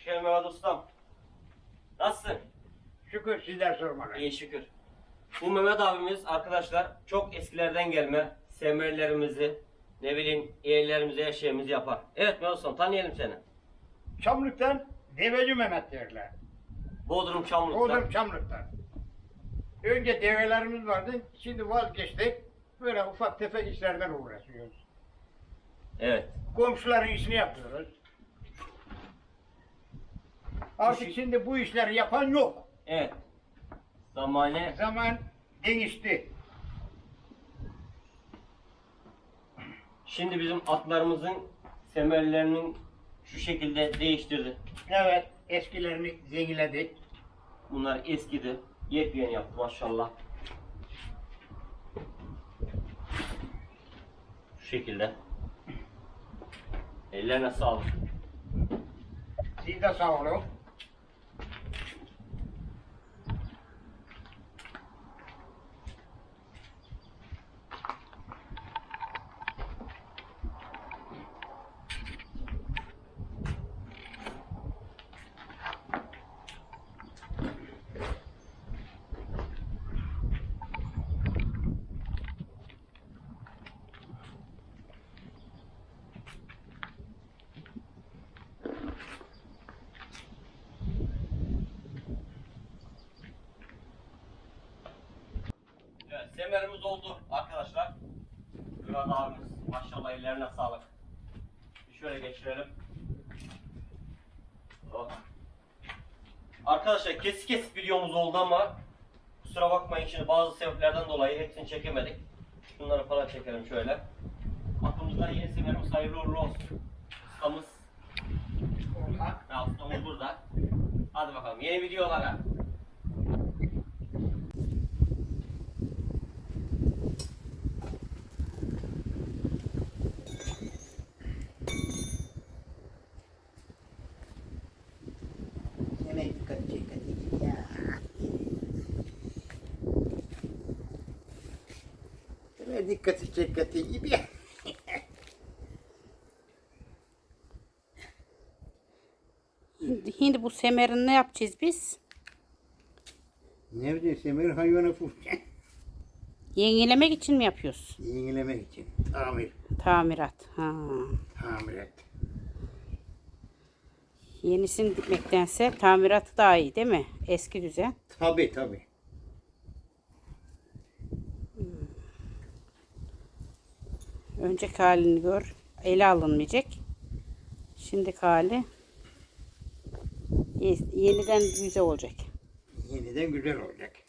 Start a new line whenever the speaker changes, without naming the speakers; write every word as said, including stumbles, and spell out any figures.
geldin Mehmet Ustam. Nasılsın?
Şükür sizler sormalı.
İyi şükür. Bu Mehmet abimiz arkadaşlar çok eskilerden gelme semerlerimizi, ne bileyim yerlerimizi, her şeyimizi yapar. Evet Mehmet Ustam, tanıyalım seni.
Çamlık'tan Deveci Mehmet derler.
Bodrum Çamlık'ta.
Bodrum Çamlık'tan. Önce develerimiz vardı, şimdi vazgeçtik. Böyle ufak tefek işlerden uğraşıyoruz.
Evet.
Komşuların işini yapıyoruz. Artık
İşi-
şimdi bu işleri yapan yok.
Evet. Zamane
Zaman değişti.
şimdi bizim atlarımızın semerlerinin şu şekilde değiştirdi.
Evet, eskilerini zenginledik.
Bunlar eskidi. Yepyeni yaptı maşallah. Şu şekilde. Ellerine sağlık.
Siz de sağ olun.
Evet, semerimiz oldu arkadaşlar. Murat abimiz maşallah ellerine sağlık. Bir şöyle geçirelim. Oh. Arkadaşlar kesik kesik videomuz oldu ama kusura bakmayın, şimdi bazı sebeplerden dolayı hepsini çekemedik. Şunları falan çekelim şöyle. Aklımızda yeni semerimiz hayırlı uğurlu olsun. Ustamız,
Olha.
ha, ustamız burada. Hadi bakalım yeni videolara.
Yine dikkat dikkat ya. Yine dikkat dikkat gibi ya.
Şimdi bu semerini ne yapacağız biz?
Ne bileyim semer hayvanı fırça.
Yenilemek için mi yapıyoruz?
Yenilemek için. Tamir.
Tamirat. Ha.
Tamir et.
Yenisini dikmektense tamiratı daha iyi değil mi? Eski düzen.
Tabi tabi.
Önceki halini gör. Ele alınmayacak. Şimdiki hali ye- yeniden güzel olacak.
Yeniden güzel olacak.